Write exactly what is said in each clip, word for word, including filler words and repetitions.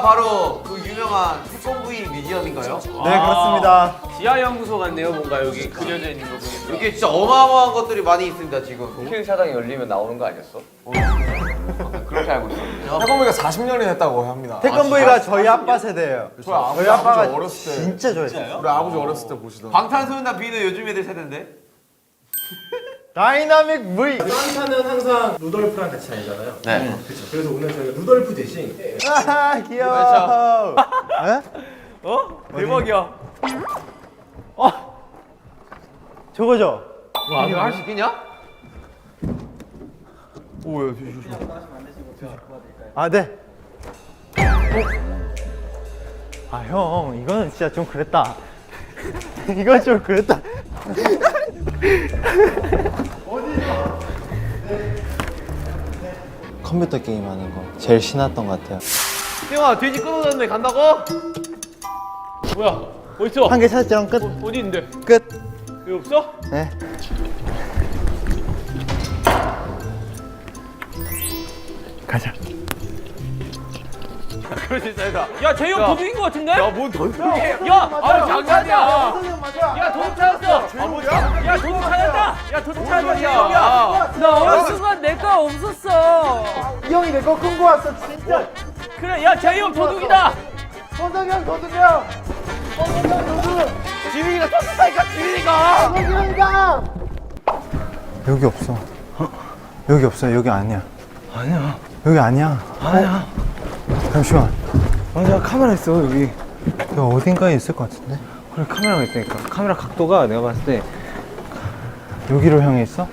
여기가 바로 그 유명한 태권브이 뮤지엄인가요? 네, 그렇습니다. 지하연구소 같네요. 뭔가 여기 그려져 있는 거 보니까. 이게 진짜 어마어마한 것들이 많이 있습니다 지금. 국회 사당이 열리면 나오는 거 아니었어? 그렇게 알고 있었는데. 태권브이가 사십 년이 됐다고 합니다. 태권브이가 저희 아빠 세대예요. 저희 아버지, 저희 아빠가 아버지 어렸을 때 진짜 좋아했어요. 우리 아버지 어렸을 때 보시던. 방탄소년단 B는 요즘 애들 세대인데? 다이나믹 V. 산타는 항상 루돌프랑 같이 다니잖아요. 네. 그렇죠. 그래서 오늘 저희가 루돌프 대신 아, 귀여워. 에? 어? 대박이야. 저거죠? 와 이거 할 수 있겠냐? 오야, 조심. 아, 네. 아, 형, 이거는 진짜 좀 그랬다. 이건 좀 그랬다. 컴퓨터 게임 하는 거 제일 신났던 것 같아요. 형아 돼지 끊어졌네 간다고? 뭐야? 어딨어? 한 개 찾았죠? 끝. 어, 어디 있는데? 끝. 여기 없어? 네. 가자. 그렇지 잘다. 야, 재형 도둑인 거 같은데? 야뭔 던지게? 야, 아, 장난이야. 맞아. 야, 도둑 찾았어. 야, 도둑 찾았다. 야, 도둑 찾았다. 소리야. 재형이야. 나 어느 순간 내 거 없었어. 이 형이 내 거 끊고 왔어, 진짜. 그래, 야, 재형 도둑이다. 선석이 형 도둑이야. 지민이가 쳤다니까 지민이가. 선석이 형이다. 여기 없어. 여기 없어. 여기 아니야. 아니야. 여기 아니야. 아니야. 잠시만. 아, 내가 카메라 있어, 여기. 여기 어딘가에 있을 것 같은데? 그래, 카메라가 있다니까. 카메라 각도가 내가 봤을 때. 여기로 향해 있어?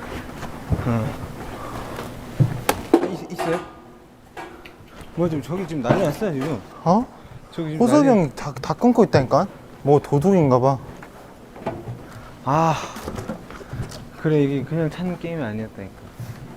있, 있어요? 뭐야, 지금 저기 지금 난리 났어요, 지금. 어? 저기 지금. 호석이 난리- 형이 다, 다 끊고 있다니까? 뭐 도둑인가 봐. 아. 그래, 이게 그냥 찾는 게임이 아니었다니까.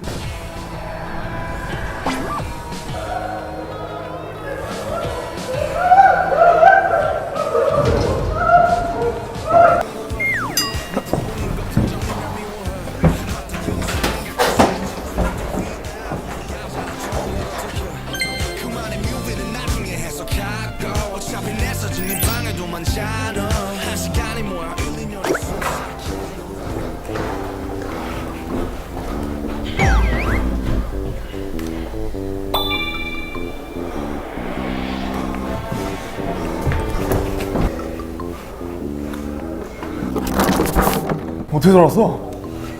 어떻게 들어왔어?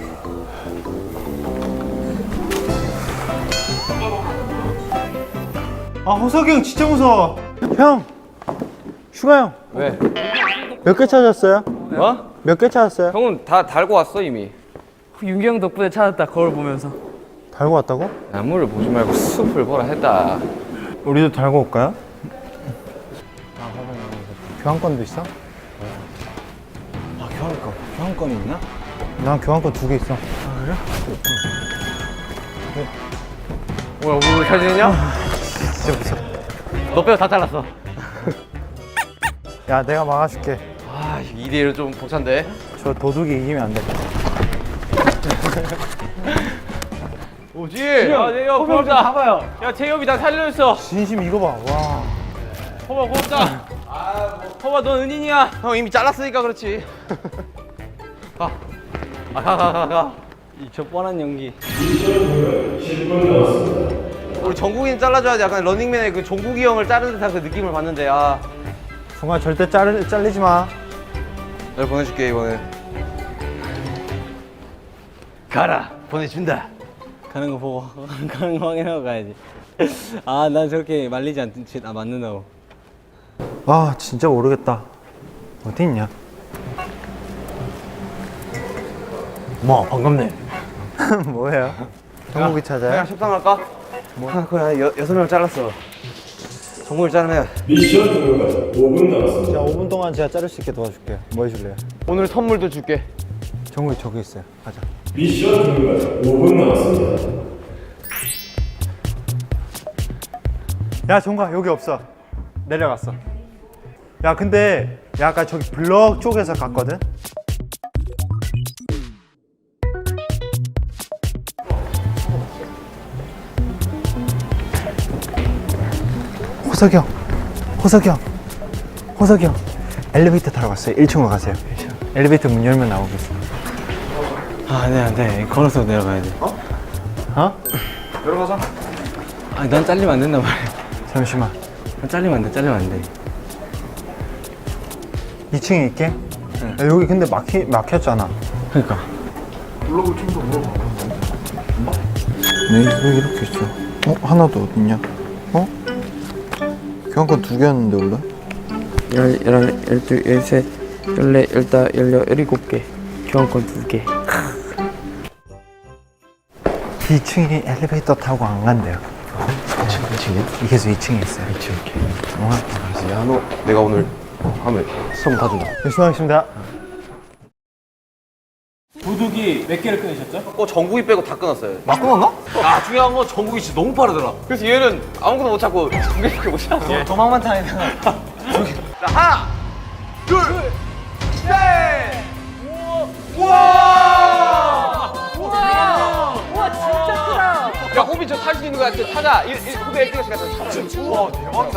아, 호석이 형 진짜 무서워. 형! 슈가 형! 왜? 몇 개 찾았어요? 뭐? 몇 개 찾았어요? 형은 다 달고 왔어 이미. 윤기 형 덕분에 찾았다. 거울 보면서. 달고 왔다고? 나무를 보지 말고 숲을 보라 했다. 우리도 달고 올까요? 교환권도 있어? 아, 교환권. 교환권이 있나? 난 교환권 두 개 있어. 뭐야 우리 사진이냐? 진짜 무서워. 너 빼고 다 잘랐어. 야, 내가 막아줄게. 아 이 대 일은 좀 벅찬데. 저 도둑이 이기면 안 돼. 오지. 야, 재형 고맙다. 봐봐요. 야, 재형이 나 살려줬어. 진심 이거 봐. 와. 호바 고맙다. 호바, 넌 은인이야. 형 이미 잘랐으니까 그렇지. 가. 아, 가, 가, 가, 가. 저 뻔한 연기. 우리 정국이는 잘라줘야지. 약간 런닝맨의 그 종국이 형을 자른 듯한 그 느낌을 받는데. 아, 정말 절대 잘, 잘리지 마. 널 보내줄게 이번에. 가라. 보내준다. 가는 거 보고, 가는 거 확인하고 가야지. 아, 난 저렇게 말리지 않지, 아, 맞는다고. 아, 진짜 모르겠다. 어디 있냐? 뭐 반갑네. 뭐예요? 정국이 찾아요? 그냥 협상할까? 뭐? 아, 그래 여, 여섯 명 잘랐어. 정국을 자르면 미션 종료까지 오 분 남았습니다. 자, 오 분 동안 제가 자를 수 있게 도와줄게요. 뭐 해줄래요? 오늘 선물도 줄게. 정국이 저기 있어요. 가자. 미션 종료까지 오 분 남았습니다. 야, 정국아, 여기 없어. 내려갔어. 야, 근데 야, 아까 저기 블럭 쪽에서 갔거든? 호석이 형, 호석이 형, 호석이 형, 엘리베이터 타러 갔어요. 일 층으로 가세요. 엘리베이터 문 열면 나오겠어. 아, 네, 안 돼. 걸어서 내려가야 돼. 어? 내려가자. 아, 난 잘리면 안 된단 말이야. 잠시만. 난 잘리면 안 돼, 잘리면 안 돼. 이 층에 있게? 야, 여기 근데 막히, 막혔잖아. 그러니까. 네, 왜 이렇게 있어? 어? 하나도 어딨냐? 어? 교환권 두 개였는데 원래? 열, 열한, 열둘, 열셋, 열넷, 열다, 열여, 열일곱 개. 교환권 두 개. 이 층에 엘리베이터 타고 안 간대요. 이 층, 이 층이야? 계속 이 층에 있어요. 이 층. 어? 야, 너 내가 오늘 하면 수업 다 준다. 네, 수고하셨습니다. 도둑이 몇 개를 끊으셨죠? 어, 정국이 빼고 다 끊었어요. 막 끊었나? 아, 중요한 건 정국이 진짜 너무 빠르더라. 그래서 얘는 아무것도 못 찾고 정국이밖에 못 찾았어. 도망만 타니까. 자, 하나, 둘, 셋! 우와! 우와, 진짜 크다. 야, 호빈 저 탈 수 있는 거 같아. 타자. 일, 일, 호빈 일 등씩 가자. 우와, 대박이다.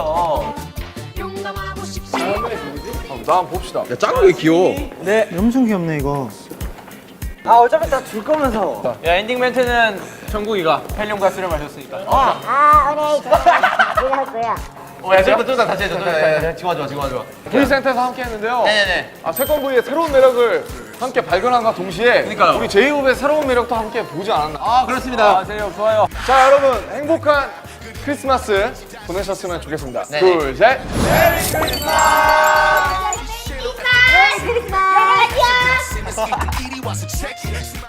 나 한번 봅시다. 야, 짱구 왜 귀여워? 엄청 귀엽네, 이거. 아, 어차피 다 줄 거면서. 야 엔딩 멘트는 정국이가 헬륨과 술을 마셨으니까. 아, 오늘 내가 할 거야. 어, 야, 저기다, 저기다 다시 해줘. 저기다. 지금 와줘, 지금 와줘. V센터에서 함께 했는데요. 네네네. 아, 세컨브이의 새로운 매력을 함께 발견함과 동시에 그러니까요. 우리 제이홉의 새로운 매력도 함께 보지 않았나. 아, 그렇습니다. 아 제이홉 좋아요. 자, 여러분 행복한 크리스마스 보내셨으면 좋겠습니다. 둘, 셋. 메리 크리스마스!